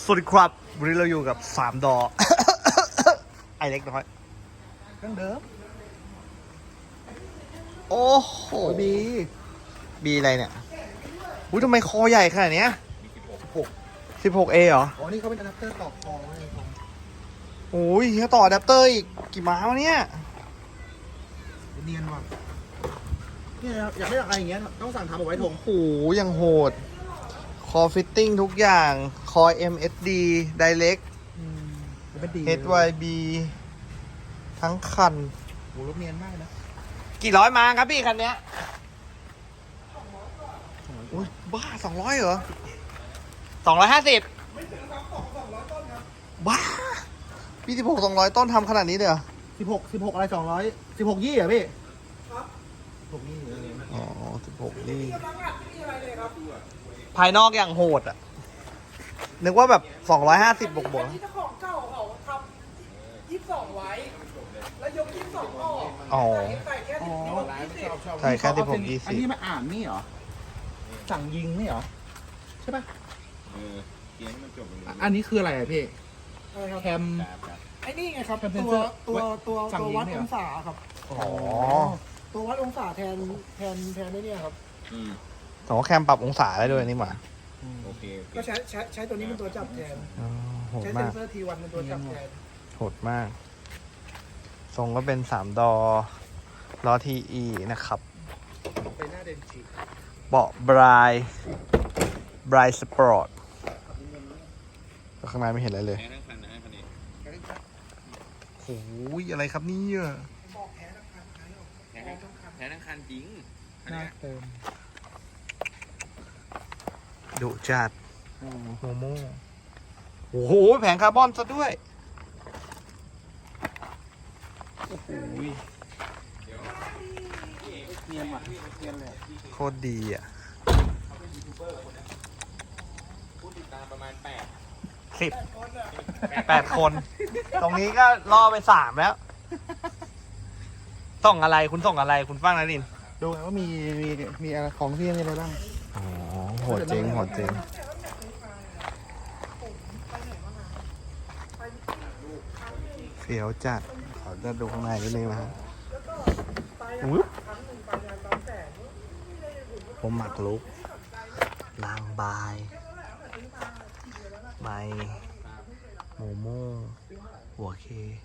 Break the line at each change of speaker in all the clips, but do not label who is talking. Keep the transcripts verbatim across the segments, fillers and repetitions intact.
สวัสดีครับวันนี้เราอยู่กับสามดอ ไอเล็กน้อย
เครื่องเดิม
โอ้โห
บี
บีอะไรเนี่ยอุ้ยทำไมคอใหญ่ขนาดเนี้ย
หก
สิบหกเอเหรอ
อ๋อนี่เขาเป็นอะแดปเตอร์ต่อคอไว้ผม
โอ้ยเฮียต่ออะแดปเตอร์อีกกี่ม้าวะเนี่ย
เนียนว่ะเนี่ยอยากได้อะไรอย่างเงี้ยต้องสั่งทำเอาไว้ทง
โอ้โหยังโหด คอฟิตติ้งทุกอย่าง คอ เอ็ม เอส ดี Direct
เป็นดี
เอช วาย บี ทั้งคัน
โหรถเนียนมากนะ
กี่ร้อยมาครับพี่คันเนี้ยอุ้ยบ้าสองร้อยเหรอสองร้อยห้าสิบบ้าพี่สิบหกสองร้อยต้นทำขนาดนี้เลยเหรอ
สิบหกสิบหกอะไรสองร้อยสิบหกยี่เหรอพี่ครับหกยี่เออ
อ๋อสิบหกนี่ภายนอกอย่างโหดอ่ะ นึกว่าแบบสองร้อยห้าสิบบวกบวก
ที่เจ้าของเก่าเขาทำยี่สิบสองไว้ แล้วยกยี่สิบสองออก
อ๋อ
ใส่แค่สิบหกยี่สิบ
ใช่แค่สิบหกยี่
อัน
สิบ
นี้มาอ่านนี่เหรอสั่งยิงนี่เหรอใช่ป่ะ
เออเกียร์ให้มันจบตรงนี้
อ่ะอันนี้คืออะไรอ่ะพี่
อะไรครับ
แคม
ครับครับ
ไอ้นี่ไงครับ
เป็น
ตัว
เสื้อ
ตัวตัว
สั่ง
ตัว
ยิง
วัด
เนี่ย
องศาครับ
อ๋อ
ตัววัดองศาแทนแทนแทนไอ้เนี่ยครับ
อืม
สองแคมปรับองศาได้ด้วยนี่หว่า
โอเคโอเค
ก็ใช้ใช้ใช้ตัวนี้เป็นตัวจับแทน
อ๋อโหด
ใช้เซ
มาน ก
เซอร์ทีวันเป็นตัวจับแทน
โหดมาก ทรงก็เป็นสามดอล้อทีอีนะครับ
ไปหน้าเดนจิ
เบาะบรายบรายสปอร์ตข้างในไม่เห็นอะไรเลย
แพ้ทั้งคันนะคันนี้
โอ้ยอะไรครับเนี่ย
บอกแพ้ทั้งคันใช้ออก
แพ้ทั้งแพ้ทั้งคันจริงคัน
หน้า
เนี้ย
เติม
ดุจัดโมโม่โอ้โหแผงคาร์บอนซะด้วย
เนียนว่ะเนียนเลย
โคตรดีอ่ะ
ผู้ติดตามประมาณแปด
สิบแปดคน ตรงนี้ก็ล่อไปสามแล้ว ส่งอะไรคุณส่งอะไรคุณฟังนะลิน
ดูไงว่ามีมีมีอะไรของที่นี่อะไรบ้าง
อ๋อโหดจริงโหดจริงเฟี้ยวจัดขอจะดูข้างในนิดนึงนะครับอุ๊ยผมหมักลุกลางบายใบโมโม่หัวเค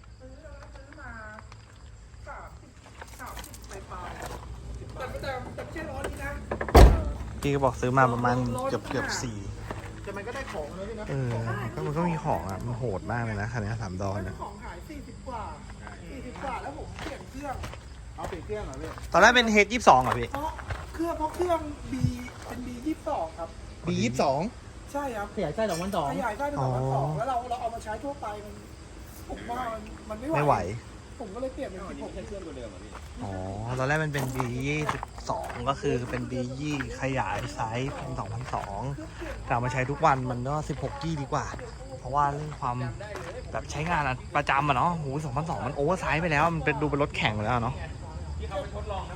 แต่แต่แต่ไม่ใช่ล้อนี้นะ
พี่ก็บอกซื้อมาประมาณเกือบเกือบสี่
แต่มันก็ได้ของเลยพี่นะ
เออก็มันก็มีของอ่ะ มันโหดมากเลยนะคันนี้สามดอน
เจ้า
นะ
ของขายสี่สิบกว่าสี่สิบกว่าแล้วผมเปลี่ยนเครื่อง
เอาเปลี่ยนเครื่องเหรอพี่
ตอนแรกเป็นเฮดยี่สิบสองเหรอพี่
เพราะเครื่องเพราะเครื่อง B เป็น B ยี่สิบสองครับ
บียี่สิบสอง
ใช่ครับ
ขยายไส้สองพันสอง
ขยายได้เป็นสองพันสองแล้วเราเราเอามาใช้ทั่วไปมันผมว่ามันมันไม่ไหว
ไม่ไหว
ผมก็เลยเปลี่ยนเป็นสิบหก
ใช้เครื่องตัวเดิมอ่ะพี่
อ๋อ ตอนแรกมันเป็น B ยี่สิบสองก็คือเป็น B ยี่ขยายไซส์เป็นสองพันสองแต่เอามาใช้ทุกวันมันก็สิบหกกี้ดีกว่า เพราะว่าเรื่องความแบบใช้งานอะประจำอะเนาะโหสองพันสองมันโอเวอร์ไซส์ไปแล้ว มันเป็นดูเป็นรถแข่งไปแล้วเนาะ